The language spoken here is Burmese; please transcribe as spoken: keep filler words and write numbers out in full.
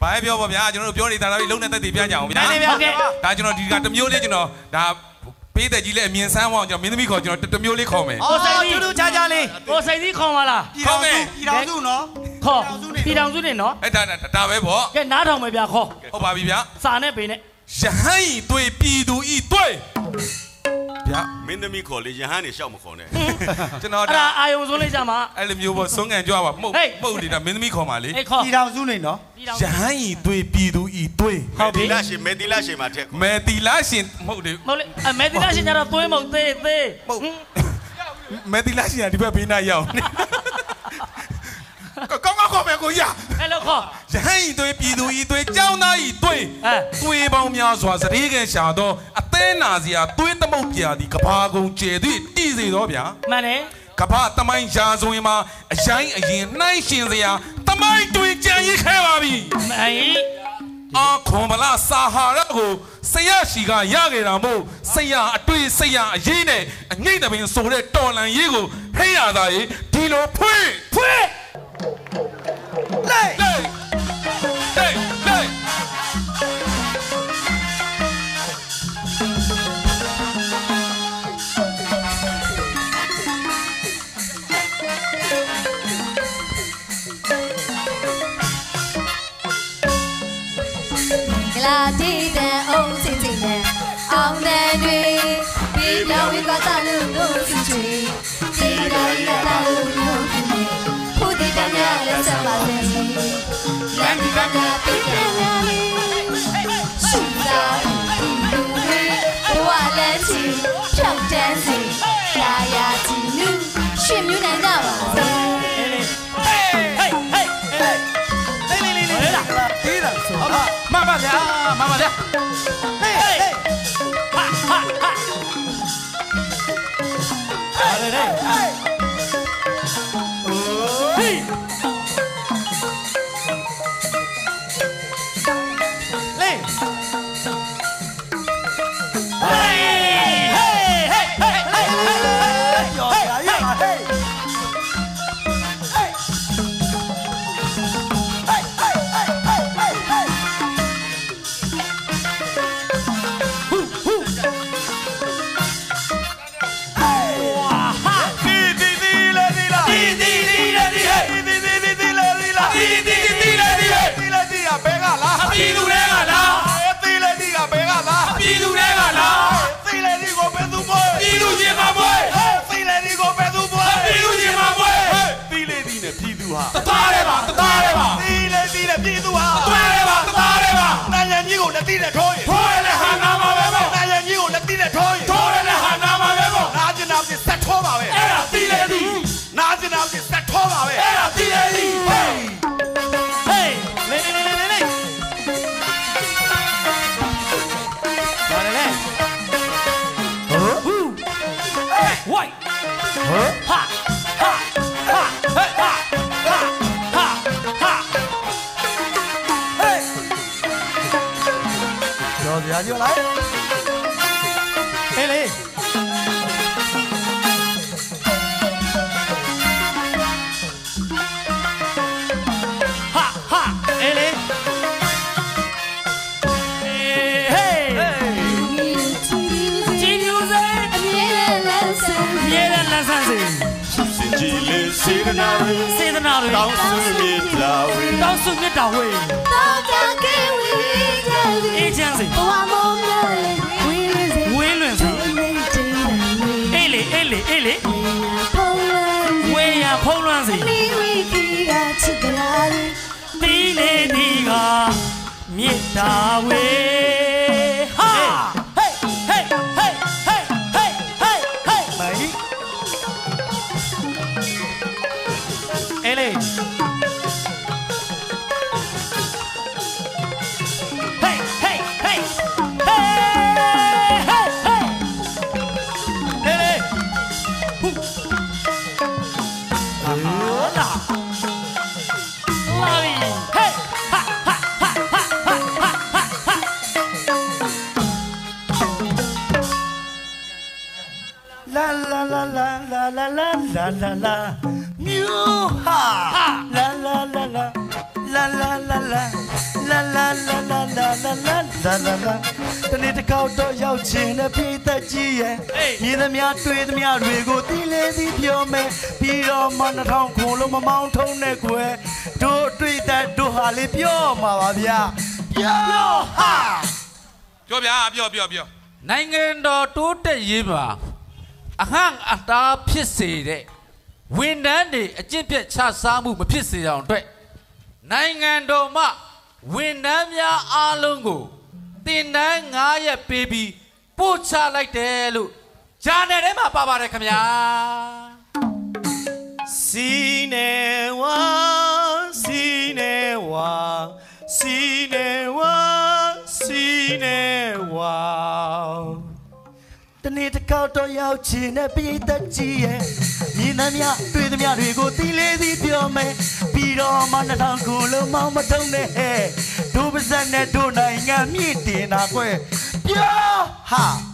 ဘာပြောပါဗျာကျွန်တော်တို့ပြောနေတာတော့လုံးနဲ့တက်တည်ပြကြအောင်ဗျာဒါကျွန်တော်ဒီကတမျိုးလေးကျွန်တော်ဒါပေးတဲ့ကြီးလေးအမြင်ဆန်းအောင်ကျွန်တော်မင်းသမီးခေါ်ကျွန်တော်တမျိုးလေးခေါ်မယ်ကိုစိတ်ကြီးချာချာလေးကိုစိတ်ကြီးခေါ်ပါလားခေါ်မယ်ပြည်တော်စုနော်ခေါ်ပြည်တော်စုနေနော်အဲ့ဒါဒါပဲပေါ့ကဲနားထောင်မယ်ဗျာခေါ်ဟုတ်ပါပြီဗျာစာနဲ့ပေနဲ့ရဟန်းဤတွေ့ပြည်သူဤတွေ့ဗျာမင်းသမီးခေါ်လေရဟန်းနေရှောက်မခေါ်နဲ့ကျွန်တော်အဲ့ဒါအာယုံစိုးလေးကြမှာအဲ့လိုမျိုးပေါ့စွန်းကန်ကြွားပါမှုတ်မှုတ်နေတာမင်းသမီးခေါ်ပါလေပြည်တော်စုနေနော်ရဟန်းဤတွေ့ပြည်သူဤတွေ့ဟုတ်ပြီလားရှင်မေတီလာရှင်မှာထက်မေတီလာရှင်မဟုတ်တယ်မဟုတ်လေမေတီလာရှင်ကျတော့သွေးမဟုတ်သေးသေးမဟုတ်မေတီလာရှင်ကဒီဘက်ဘေးနားရောက်ကောင်းကောင်းခေါ်မယ်ကိုရအဲ့လိုခေါ်ရဟန်းဤတွေ့ပြည်သူဤတွေ့ကျောင်းသားဤတွေ့တွေ့ပေါင်းများစွာစရေကန်ရှာတော့အသေးနာစရာတွေးသမုတ်ပြာသည်ကဘာကုံကျဲသည်တည်စေတော့ဗျာမှန်တယ်ကဘာတမိုင်းရာဇဝင်မှာအရင်အရင်နှိုင်းရှင်စရာတမိုင်းတွေကြံရစ်ခဲ့ပါပြီမှန်ရင်အာခွန်မလားစာဟာရကိုဆရာရှိကရခဲ့တာမို့ဆရာအတွေ့ဆရာအရေးနဲ့အငိမ့်တပင်ဆိုတဲ့တော်လန်ရေးကိုဟိရတာရေဒီလိုဖွင့်ဖွင့်လိုက်လိုက်လိုက်လိုက်လာတီးတဲ့အုံးစင်စင်နဲ့အောင်တဲ့တွေဒီပြောင်းဝေးကတာလို့လို့စီချီဒီလာရီကတာလို့လို့ဖြစ်နေဖူတီတမ်းရလက်ဆက်ပါလေလမ်းဒီကကပိတ်တယ်လေရှူတာလူတွေဘဝလက်ချီဖြောက်တန်းစီရာယာတီလူရှင်မြူနိုင်ကြပါစေဟေးဟေးဟေးဟေးလေးလေးလေးလေးလာတီးတာဆိုမမဗျာမမဗျာဟေးဟေးဟာဟာဟာอะไรเนี่ยโอ้เฮ้ยเล่เฮ้ยเฮ้ยเฮ้ยเฮ้ยเฮ้ยหยอดหยาหยาเฮ้ยเฮ้ยเฮ้ยเฮ้ยเฮ้ยเฮ้ยเฮ้ยเฮ้ยฮู้ฮู้ပြည်သူတွေကလားသိလေဒီကဘယ်ကလားပြည်သူတွေကလားသိလေဒီကိုဘယ်သူပွဲပြည်သူချင်းမပွဲသိလေဒီကိုဘယ်သူပွဲပြည်သူချင်းမပွဲသိလေဒီနဲ့ပြည်သူဟာတသားတယ်ပါတသားတယ်ပါသိလေဒီနဲ့ပြည်သူဟာတွဲတယ်ပါတသားတယ်ပါနိုင်ငံကြီးကိုလက်တိနဲ့ထိုးရင်ထိုးရတဲ့ဟာနာမှာပဲပေါ့နိုင်ငံကြီးကိုလက်တိနဲ့ထိုးရင်ထိုးရတဲ့ဟာနာမှာပဲပေါ့နာကျင်နာပြဆက်ထိုးပါပဲအဲ့ဒါသိလေဒီနာကျင်နာပြဆက်ထိုးပါပဲအဲ့ဒါသိလေဒီဟေးဟေးလေလေလေလေလေWhite. Huh? Ha. Ha. Ha. Hey. Ha. Ha. Ha. Ha. Hey. ကျော်စရာကျော်လိုက်ဟေးလေဟာဟာဟေးလေစေတနာဝေစေတနာဝေတောင်းစုမြတ်တာဝေတောင်းစုမြတ်တာဝေတောင်းကြကေဝေအေးချမ်းစေဘဝမောင်မြဝေးလွင်စေဝေးလွင်စေအေးလေအေးလေအေးလေဝေးရဖုံးလွန်းစေဒီဝီကီကချစ်ကလာဒီလေဒီကမြတ်တာဝေဟာဟေးဟေးဟေးဟေးဟေးဟေးဟေးမိုင်အေးလေဟေးဟေးဟေးဟေးဟေးဟေးအေးလေဟူအာလာလာပြီဟေးဟာဟာဟာဟာဟာဟာလာလာလာလာလာလာလာလာလာလာမြူဟာလာလာလာလာလာလာလာလာလာလာလာလာလာလာလာလာလာလာတနေ့တစ်ခေါက်တော့ရောက်ချင်တဲ့ပြည်သက်ကြီးရဲ့မြင်သမျှတွေ့သမျှတွေကိုတီးလေးပြီးပြောမယ်ပြီးတော့မနှထောင်ခုလုံးမမောင်းထုံးနဲ့ကွယ်တို့တွေ့တဲ့တို့ဟာလေးပြောမှာပါဗျာပြောဟာပြောဗျာပြောပြောပြောနိုင်ငံတော်တိုးတက်ရေးပါအဟံအတားဖြစ်စေတဲ့ဝန်ထမ်းတွေအကျင့်ပြတ်ချစားမှုမဖြစ်စေအောင်အတွက်နိုင်ငံတော်မှဝန်ထမ်းများအားလုံးကိုတင်တန်း၅ရက်ပေးပြီးပို့ချလိုက်တယ်လို့ဂျာနယ်ထဲမှာပါပါတယ်ခင်ဗျာစီနေဝါစီနေဝါစီနေဝါစီနေဝါတနေ့တစ်ခေါက်တော့ရောက်ချင်တဲ့ပြည်သက်ကြီးရဲ့မြင်သမျှတွေ့သမျှတွေကိုတီးလေးပြီးပြောမယ်ပြီးတော့မှနှထောင်ခုလုံးမောင်းမထုံးနဲ့ဟဲ့ဒုပါဇက်နဲ့ဒုနိုင်ငံမြင့်တင်တာကွယ်ပြောဟာ